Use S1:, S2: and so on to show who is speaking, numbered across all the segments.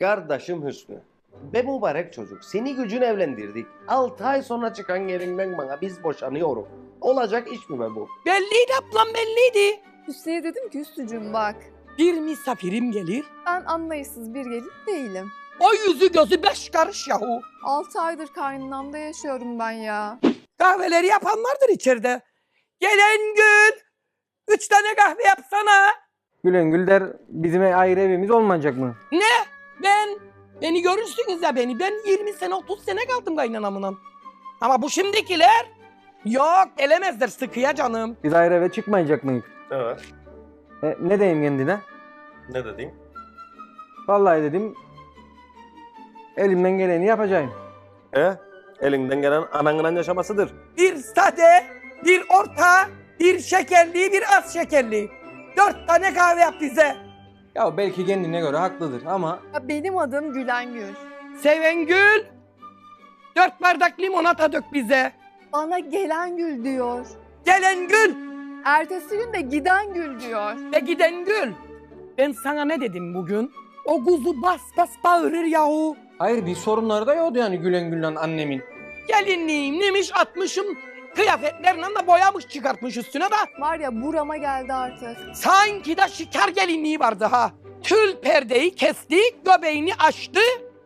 S1: Kardeşim Hüsnü. Be mübarek çocuk. Seni gücün evlendirdik. 6 ay sonra çıkan gelinden bana biz boşanıyoruz. Olacak iş mi be bu?
S2: Belliydi ablam, belliydi.
S3: Hüsnü'ye dedim ki Hüsnü'cüğüm bak.
S2: Bir misafirim gelir.
S3: Ben anlayışsız bir gelin değilim.
S2: O yüzü gözü 5 karış yahu.
S3: 6 aydır kaynanamda yaşıyorum ben ya.
S2: Kahveleri yapanlardır içeride. Gelen gün 3 tane kahve yapsana.
S4: Gülengül der bizim ayrı evimiz olmayacak mı?
S2: Beni görürsünüz ya beni. Ben 20 sene 30 sene kaldım kaynanamla. Ama bu şimdikiler yok gelemezler sıkıya canım.
S4: Biz ayrı eve çıkmayacak mıyız?
S1: Evet.
S4: Ne diyeyim kendine?
S1: Ne dedin?
S4: Vallahi dedim elimden geleni yapacağım.
S1: Elinden gelen ananla yaşamasıdır.
S2: Bir sade, bir orta, bir şekerli, bir az şekerli. 4 tane kahve yap bize.
S4: Ya belki kendine göre haklıdır ama
S3: Ya benim adım Gülengül.
S2: Sevengül, 4 bardak limonata dök bize.
S3: Bana gelen gül diyor.
S2: Gelen gül
S3: Ertesi gün de giden gül diyor.
S2: ve giden gül. Ben sana ne dedim bugün? O kuzu bas bas bağırır yahu.
S4: hayır bir sorunları da yoktu yani Gülengül'le annemin.
S2: Gelinliğim neymiş atmışım, kıyafetlerle de boyamış çıkartmış üstüne de.
S3: Var ya burama geldi artık.
S2: Sanki de şikar gelinliği vardı ha. Tül perdeyi kesti, göbeğini açtı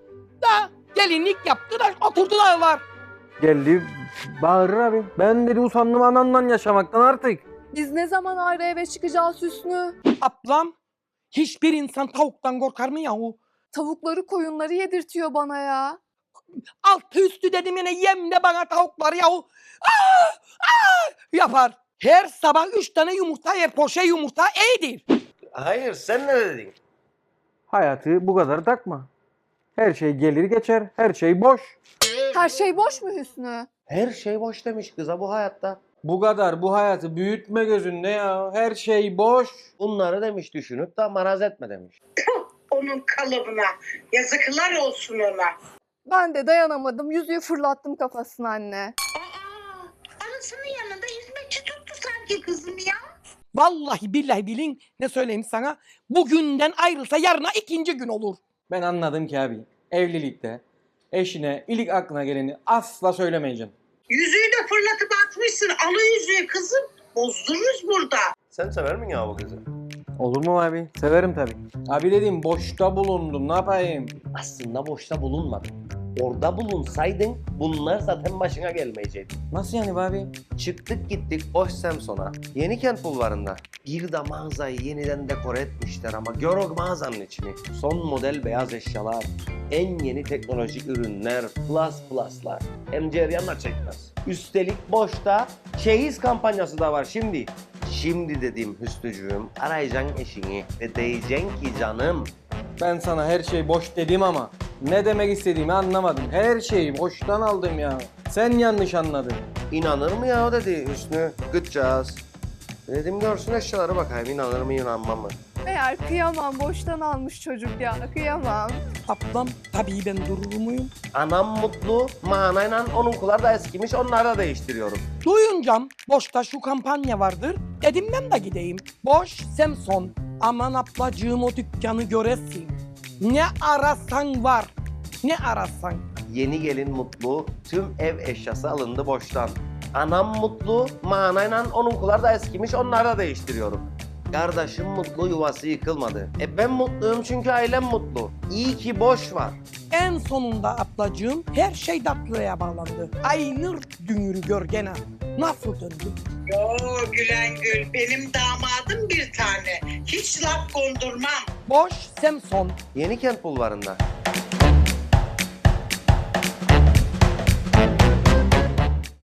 S2: da gelinlik yaptı da oturdular var.
S4: Geldi bağırır abi. Ben dedi usandım ananla yaşamaktan artık.
S3: Biz ne zaman ayrı eve çıkacağız Hüsnü?
S2: Ablam, hiçbir insan tavuktan korkar mı yahu?
S3: Tavukları koyunları yedirtiyor bana ya.
S2: Altı üstü dedim yine yem de bana tavuklar yahu. Aa, aa, yapar. Her sabah 3 tane yumurta yer, poşe yumurta iyidir.
S1: Hayır, sen ne dedin?
S4: Hayatı bu kadar takma. Her şey gelir geçer, her şey boş.
S3: Her şey boş mu Hüsnü?
S1: Her şey boş demiş kıza bu hayatta.
S4: Bu kadar bu hayatı büyütme gözünde ya. Her şey boş.
S1: Bunları demiş düşünüp de maraz etme demiş.
S5: Onun kalıbına. Yazıklar olsun ona.
S3: Ben de dayanamadım. Yüzüğü fırlattım kafasına anne.
S5: Anasının yanında hizmetçi tuttu sanki kızım ya.
S2: Vallahi billahi bilin ne söyleyeyim sana. Bugünden ayrılsa yarına 2. gün olur.
S4: Ben anladım ki abi. Evlilikte eşine ilk aklına geleni asla söylemeyeceğim.
S5: Yüzüğü de fırlatıp atmışsın. Alı yüzüğü kızım. Bozdururuz burada.
S1: Sen sever misin ya bu kızı?
S4: Olur mu abi? Severim tabii. Abi dedim boşta bulundum ne yapayım?
S1: Aslında boşta bulunmadın. Orada bulunsaydın bunlar zaten başına gelmeyecekti.
S4: Nasıl yani be abi?
S1: Çıktık gittik Boş Samson'a. Yenikent bulvarında. Bir de mağazayı yeniden dekore etmişler ama gör o mağazanın içini. Son model beyaz eşyalar, en yeni teknolojik ürünler, pluslar. Hem ceryanla çekmez. Üstelik Boş'ta çeyiz kampanyası da var şimdi. Şimdi dediğim Hüsnücüğüm arayacaksın eşini ve diyeceksin ki canım.
S4: Ben sana her şey boş dedim ama ne demek istediğimi anlamadım. Her şeyi boştan aldım ya. Sen yanlış anladın.
S1: İnanır mı ya o dedi Hüsnü. Gıdacağız. Dedim görsün eşyaları bakayım inanır mı inanmam mı?
S3: Meğer kıyamam boştan almış çocuk ya. Kıyamam.
S2: Ablam tabii ben durur muyum?
S1: Anam mutlu, manayla onunkular da eskimiş onları da değiştiriyorum.
S2: Duyuncam boşta şu kampanya vardır. Dedim ben de gideyim. Boş Samson. Aman ablacığım o dükkanı göresin. Ne arasan var. Ne arasan.
S1: Yeni gelin mutlu, tüm ev eşyası alındı Boş'tan. Anam mutlu, manayla onunkular da eskimiş onları da değiştiriyorum. Kardeşim mutlu, yuvası yıkılmadı. Ben mutluyum çünkü ailem mutlu. İyi ki Boş var.
S2: En sonunda ablacığım her şey tatlıya bağlandı. Aynır dünürü görgene. Nasıl döndü?
S5: Yo Gülengül. Benim damadım bir tane. Hiç laf kondurmam.
S2: Boş Samson.
S1: Yenikent bulvarında.